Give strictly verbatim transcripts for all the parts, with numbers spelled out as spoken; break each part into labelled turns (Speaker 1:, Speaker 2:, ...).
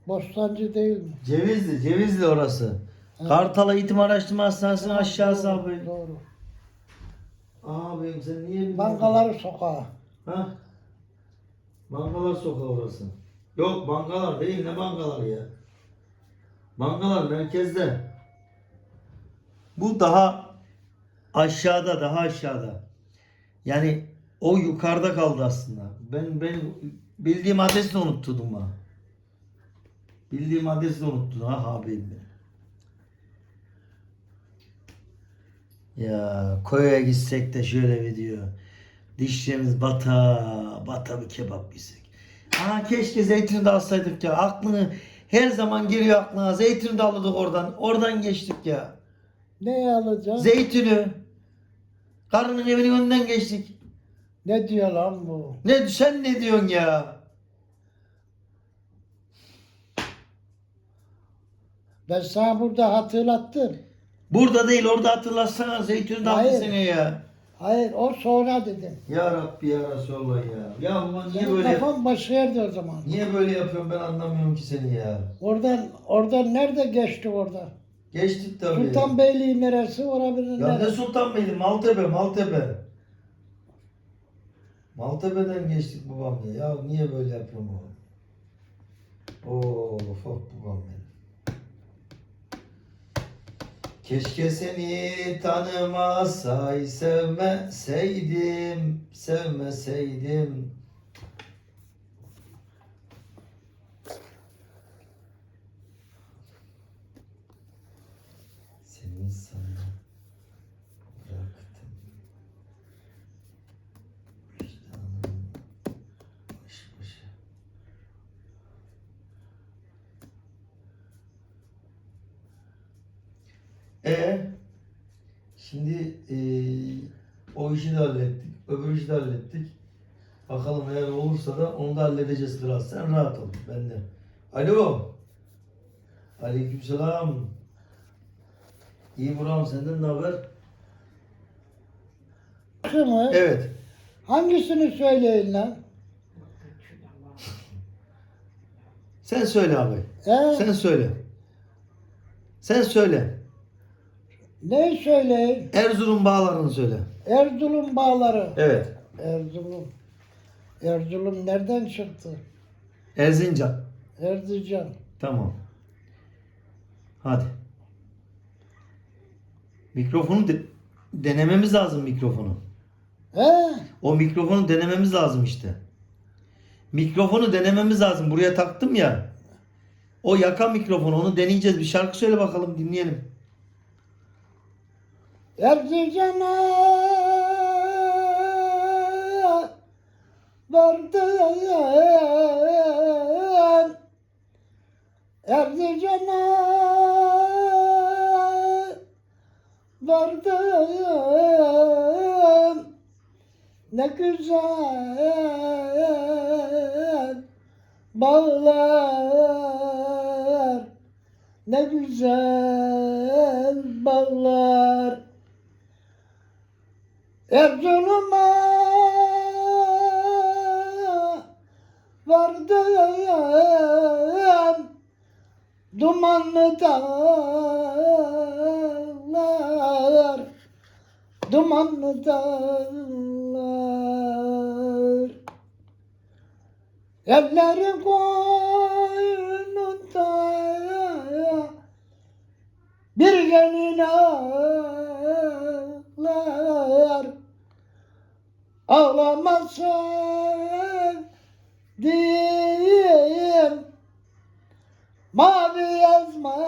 Speaker 1: Bostancı değil mi?
Speaker 2: Cevizli, Cevizli orası.
Speaker 1: Evet.
Speaker 2: Kartal Eğitim Araştırma Hastanesi'nin aşağısı
Speaker 1: Doğru,
Speaker 2: abi.
Speaker 1: Doğru.
Speaker 2: Abim sen niye bilmiyorsun?
Speaker 1: Bankaları sokağı.
Speaker 2: Ha? Bankalar sokağı orası. Yok bankalar değil, ne bankalar ya? Bankalar merkezde. Bu daha aşağıda, daha aşağıda. Yani o yukarıda kaldı aslında. Ben ben bildiğim adresi de unutturdum ha. Bildiğim adresi de unuttun ha abim benim. Ya koya gitsek de şöyle bir diyor. Dişlerimiz bata bata bir kebap yesek. Aa keşke zeytini de alsaydık ya. Aklını her zaman geliyor aklına. Zeytini de alırdık oradan. Oradan geçtik ya.
Speaker 1: Ne alacağım?
Speaker 2: Zeytini. Karının evinin önünden geçtik.
Speaker 1: Ne diyor lan bu?
Speaker 2: Ne sen ne diyorsun ya?
Speaker 1: Ben sana burada hatırlattım.
Speaker 2: Burada değil orada hatırlatsana zeytini de aldı
Speaker 1: Hayır.
Speaker 2: seni ya.
Speaker 1: Hayır, o sonra dedim.
Speaker 2: Ya Rabbi ya Resulallah ya. Ya ulan niye
Speaker 1: Senin
Speaker 2: böyle
Speaker 1: kafan başka yerde o zaman.
Speaker 2: niye böyle yapıyorum ben anlamıyorum ki seni ya.
Speaker 1: Oradan, oradan nerede geçti orada?
Speaker 2: Geçtik tabii.
Speaker 1: Sultanbeyli neresi, orabilir
Speaker 2: Ya ne
Speaker 1: neresi?
Speaker 2: Sultanbeyli? Maltepe, Maltepe. Maltepe'den geçtik babam ya. Ya niye böyle yapıyorum oğlum? Of of babam benim. Keşke seni tanımasay, sevmeseydim, sevmeseydim. Seni sana bıraktım. Vicdanım baş başa. E şimdi e, o işi de hallettik, öbür işi de hallettik. Bakalım eğer olursa da onu da halledeceğiz kral. Sen rahat ol. Ben de. Alo. Aleykümselam. İyi Buram senden ne haber?
Speaker 1: Şu mu?
Speaker 2: Evet.
Speaker 1: Hangisini söyleyin lan?
Speaker 2: Sen söyle abi.
Speaker 1: He?
Speaker 2: Sen söyle. Sen söyle.
Speaker 1: Ne söyleyin?
Speaker 2: Erzurum bağlarını söyle.
Speaker 1: Erzurum bağları.
Speaker 2: Evet.
Speaker 1: Erzurum. Erzurum nereden çıktı?
Speaker 2: Erzincan.
Speaker 1: Erzincan.
Speaker 2: Tamam. Hadi. Mikrofonu de- denememiz lazım mikrofonu.
Speaker 1: He?
Speaker 2: O mikrofonu denememiz lazım işte. Mikrofonu denememiz lazım. Buraya taktım ya. O yaka mikrofonu onu deneyeceğiz. Bir şarkı söyle bakalım dinleyelim.
Speaker 1: Erzincan'a vardım. Erzincan'a vardım. Ne güzel bağlar, ne güzel bağlar. Erzurum'a vardım, dumanlı dağlar, dumanlı dağlar. Elleri koynunda bir gelin ağlar. Ağlamasın diyeyim, mavi yazma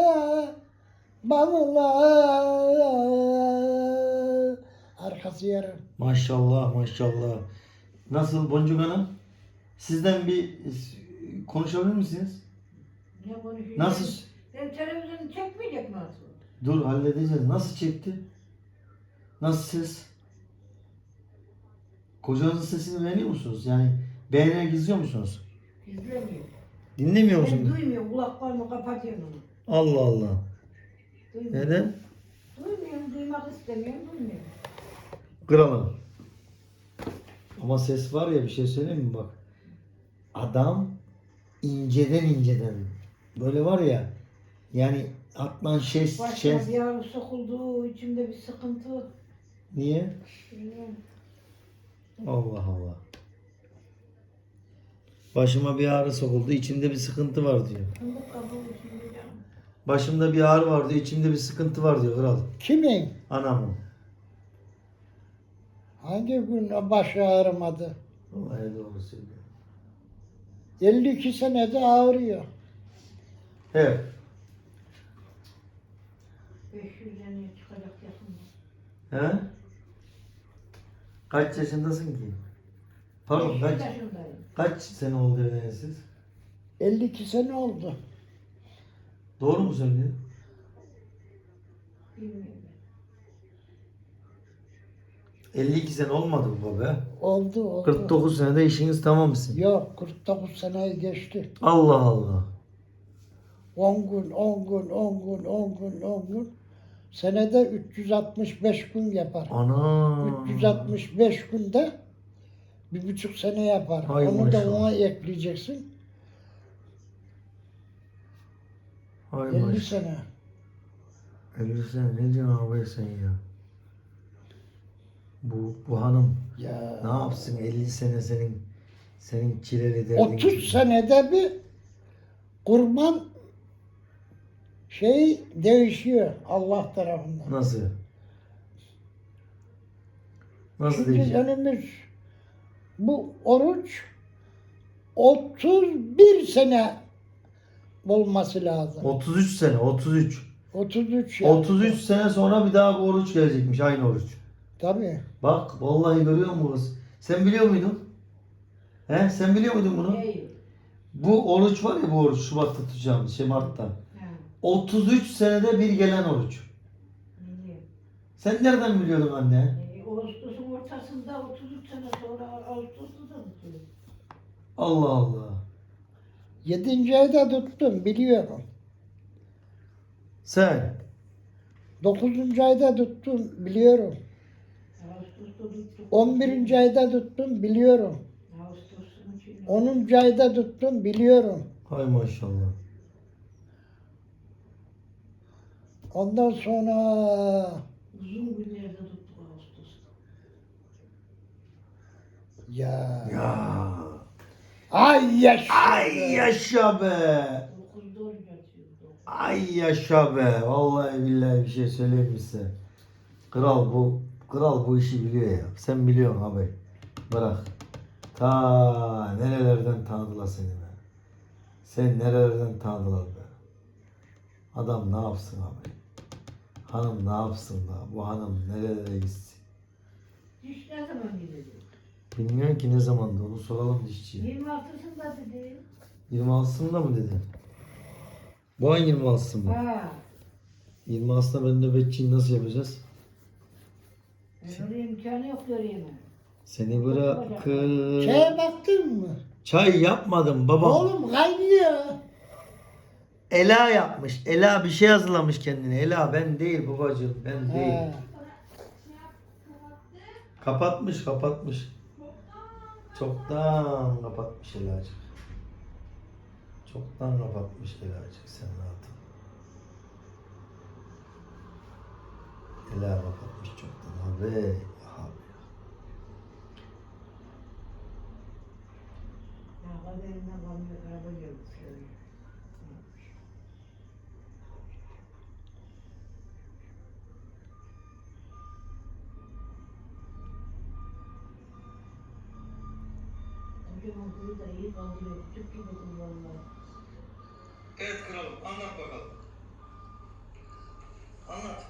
Speaker 1: bağlar. Arkası yarım.
Speaker 2: Maşallah maşallah. Nasıl Boncuk Hanım? Sizden bir konuşabilir misiniz?
Speaker 3: Ne konuşuyorsun?
Speaker 2: Nasıl?
Speaker 3: Ben televizyonu çekmeyecek mi asıl?
Speaker 2: Dur halledeceğiz. Nasıl çekti? Nasıl ses? Kocanızın sesini beğeniyor musunuz? Yani beğenerek izliyor musunuz?
Speaker 3: İzlemiyor.
Speaker 2: Dinlemiyor
Speaker 3: Ben
Speaker 2: musunuz?
Speaker 3: duymuyorum. Kulaklarımı kapatıyorum onu.
Speaker 2: Allah Allah.
Speaker 3: Duymuyorum.
Speaker 2: Neden?
Speaker 3: Duymuyorum. Duymak istemiyorum. Duymuyorum.
Speaker 2: Kralım. Ama ses var ya bir şey söyleyeyim mi bak. Adam inceden inceden. Böyle var ya. Yani atlan şes
Speaker 3: Başıma
Speaker 2: şes.
Speaker 3: bir ağrı sokuldu, içimde bir sıkıntı.
Speaker 2: Niye?
Speaker 3: Bilmiyorum.
Speaker 2: Allah Allah. Başıma bir ağrı sokuldu. İçimde bir sıkıntı var diyor.
Speaker 3: Fındık kabuğu içimde canım.
Speaker 2: Başımda bir ağrı var diyor. İçimde bir sıkıntı var diyor kral.
Speaker 1: Kimin?
Speaker 2: Anamın.
Speaker 1: Hangi gün o başı ağrımadı?
Speaker 2: Vallahi doğru söylüyor.
Speaker 1: elli iki senede ağrıyor.
Speaker 2: Evet.
Speaker 3: beş yüz liraya çıkacak yakında.
Speaker 2: He? Kaç yaşındasın ki? Pardon
Speaker 3: beş yüz
Speaker 2: kaç,
Speaker 3: yaşındayım.
Speaker 2: kaç sene oldu evleneli siz?
Speaker 1: elli iki sene oldu.
Speaker 2: Doğru mu söylüyor?
Speaker 3: Bilmiyorum.
Speaker 2: elli iki sene olmadı bu baba.
Speaker 1: Oldu oldu.
Speaker 2: kırk dokuz senede işiniz tamam mısın?
Speaker 1: Yok kırk dokuz seneyi geçti.
Speaker 2: Allah Allah.
Speaker 1: on gün, on gün, on gün, on gün, on gün. Senede üç yüz altmış beş gün yapar.
Speaker 2: Ana.
Speaker 1: üç yüz altmış beş günde bir buçuk sene yapar.
Speaker 2: Hay
Speaker 1: Onu da
Speaker 2: maşallah.
Speaker 1: ona ekleyeceksin.
Speaker 2: Hay
Speaker 1: elli
Speaker 2: maşallah.
Speaker 1: sene.
Speaker 2: elli sene ne diyorsun abi sen ya? Bu, bu hanım
Speaker 1: Ya.
Speaker 2: ne yapsın elli sene senin senin çileli derdin.
Speaker 1: otuz
Speaker 2: gibi.
Speaker 1: senede bir kurban şey değişiyor Allah tarafından.
Speaker 2: Nasıl? Nasıl
Speaker 1: Şimdi
Speaker 2: diyecek?
Speaker 1: önümüz bu oruç otuz bir sene olması lazım.
Speaker 2: otuz üç sene, otuz üç.
Speaker 1: otuz üç yani.
Speaker 2: otuz üç sene sonra bir daha bu oruç gelecekmiş, aynı oruç.
Speaker 1: Tabii.
Speaker 2: Bak vallahi görüyor musun kız? Sen biliyor muydun? He? Sen biliyor muydun bunu?
Speaker 3: Değil.
Speaker 2: Bu oruç var ya, bu oruç Şubat'ta tutacağımız, şey Mart'ta.
Speaker 3: Ha,
Speaker 2: otuz üç senede bir gelen oruç.
Speaker 3: biliyorum.
Speaker 2: Sen nereden biliyordun anne?
Speaker 3: E, Ağustos'un ortasında otuz üç sene sonra Ağustos'ta da tutuyor.
Speaker 2: Allah Allah.
Speaker 1: Yedinci ayda tuttum biliyorum.
Speaker 2: Sen?
Speaker 1: Dokuzuncu ayda tuttum biliyorum.
Speaker 3: Ağustos'ta tuttuk.
Speaker 1: On birinci ayda tuttum biliyorum.
Speaker 3: Ağustos'un içinde.
Speaker 1: Onuncu ayda tuttum biliyorum.
Speaker 2: Hay maşallah.
Speaker 1: Ondan sonra
Speaker 3: Uzun günlerde tuttuk Ağustos'ta.
Speaker 1: ya
Speaker 2: Ya.
Speaker 1: ay yaşa.
Speaker 2: Ay yaşa be.
Speaker 3: dokuzda oruç açıyordu.
Speaker 2: Ay yaşa be. Vallahi billahi bir şey söyleyeyim mi size? Kral bu kral bu işi biliyor ya. Sen biliyorsun abi. Bırak. Ta nerelerden tanıdılar seni be. Sen nerelerden tanıdılar be. Adam ne yapsın abi? Hanım ne yapsın da? Bu hanım nerelere gitsin?
Speaker 3: Diş ne zaman gidecek?
Speaker 2: Bilmiyorum ki ne zamandı, onu soralım dişçiye.
Speaker 3: yirmi altısında dedi.
Speaker 2: yirmi altısında mı dedi? Bu ay yirmi altısı mı?
Speaker 3: Ha.
Speaker 2: yirmi altısında ben nöbetçiyim, nasıl yapacağız?
Speaker 3: Öyle imkanı yok göreyim.
Speaker 2: Seni bırakır.
Speaker 1: Şeye baktın mı?
Speaker 2: Çay yapmadım babam.
Speaker 1: Oğlum kaynıyor.
Speaker 2: Ela yapmış. Ela bir şey hazırlamış kendine. Ela ben değil babacığım, ben değil.
Speaker 1: He.
Speaker 2: Kapatmış, kapatmış. Çoktan kapatmış Elacık. Çoktan kapatmış Elacık, sen rahat ol. Ela kapatmış çoktan abi. Abi.
Speaker 3: Ya kaderinden kalmıyor, araba geldi. Kocaman kuyu da iyi kaldırıyor, küçük gibi kullanıyor.
Speaker 2: Evet kralım, anlat bakalım. Anlat.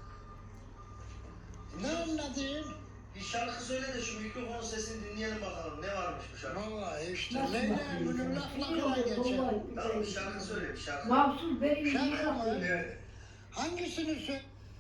Speaker 1: Ne anladın?
Speaker 2: Bir şarkı söyle de şu mikrofon sesini dinleyelim bakalım. Ne varmış bu şarkı?
Speaker 1: Vallahi işte
Speaker 3: Nasıl
Speaker 1: Leyla
Speaker 3: bakıyorsun?
Speaker 1: günün laflarına geçer.
Speaker 2: Tamam, bir şarkı söyle, bir şarkı.
Speaker 3: Mahsus benim iyi
Speaker 1: Şarkı mı?
Speaker 3: bakıyor.
Speaker 2: Evet.
Speaker 1: Hangisini söyle?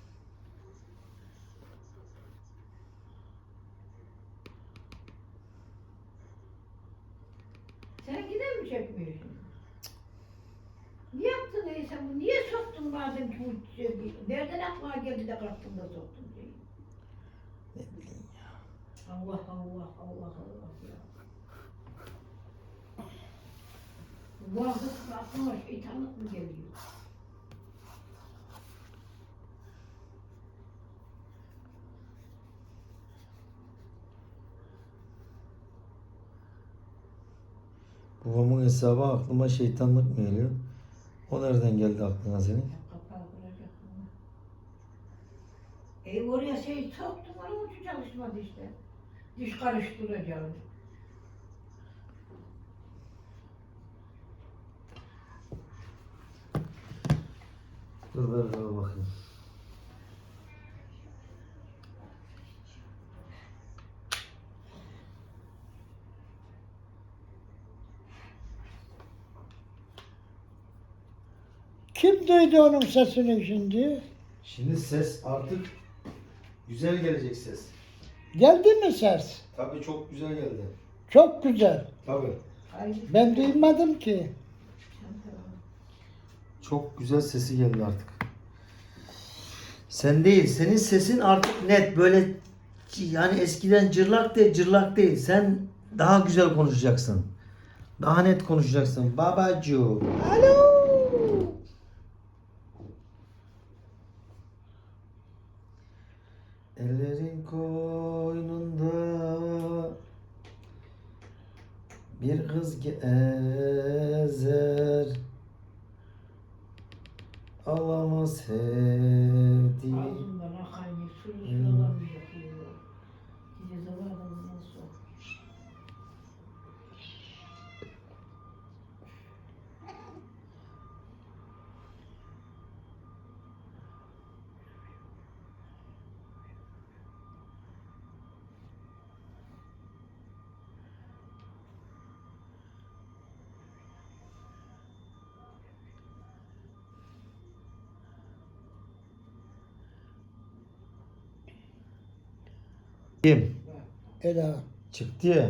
Speaker 3: Sen gider mi çekmiyorsun? Niye yaptın ey sen bunu? Niye soktun madem ki bu şey- nereden aklına geldi de kalktın da soktun diye.
Speaker 2: Ne bileyim ya.
Speaker 3: Allah Allah Allah Allah ya. Bu vakit aklıma şeytanlık mı geliyor?
Speaker 2: Babamın hesabı aklıma şeytanlık mı geliyor? O nereden geldi aklına senin?
Speaker 3: Kapağı kıracaktım ama. E oraya şey soktum, onun için çalışmadı işte. Diş karıştıracağım.
Speaker 2: Dur ver ver bakayım.
Speaker 1: Kim duydu onun sesini şimdi?
Speaker 2: Şimdi ses artık güzel gelecek ses.
Speaker 1: Geldi mi ses?
Speaker 2: Tabii çok güzel geldi.
Speaker 1: Çok güzel.
Speaker 2: Tabii.
Speaker 3: Hayır.
Speaker 1: Ben duymadım ki.
Speaker 2: Çok güzel sesi geldi artık. Sen değil, senin sesin artık net böyle yani eskiden cırlak değil, cırlak değil. Sen daha güzel konuşacaksın. Daha net konuşacaksın. Babacığım.
Speaker 1: Alo.
Speaker 2: Ellerin koynunda bir kız gezer, ağlama sevdiğim.
Speaker 3: Ağzımdan akan bir sürü sıralar bir yapıyor. Gece zavallı nasıl?
Speaker 2: Kim?
Speaker 1: Ela.
Speaker 2: Çıktı ya.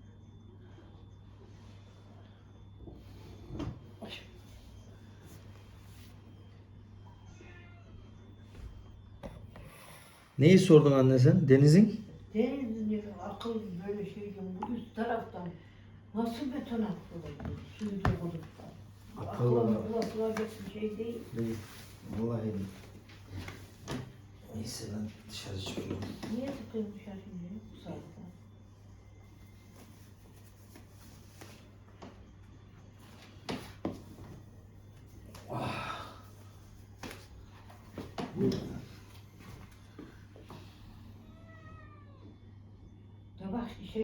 Speaker 2: Neyi sordun anne sen? Deniz'in?
Speaker 3: Denizin akıl böyle şeyden bu üst taraftan nasıl beton attı? Suyu dokuduk da.
Speaker 2: Akıllı
Speaker 3: Akıllı
Speaker 2: bak.
Speaker 3: bulaşılacak bir şey değil.
Speaker 2: Değil. Vallahi değil. Neyse ben dışarı çıkıyorum.
Speaker 3: Niye tıkıyorsun dışarı şimdi bu saatte?
Speaker 2: Bu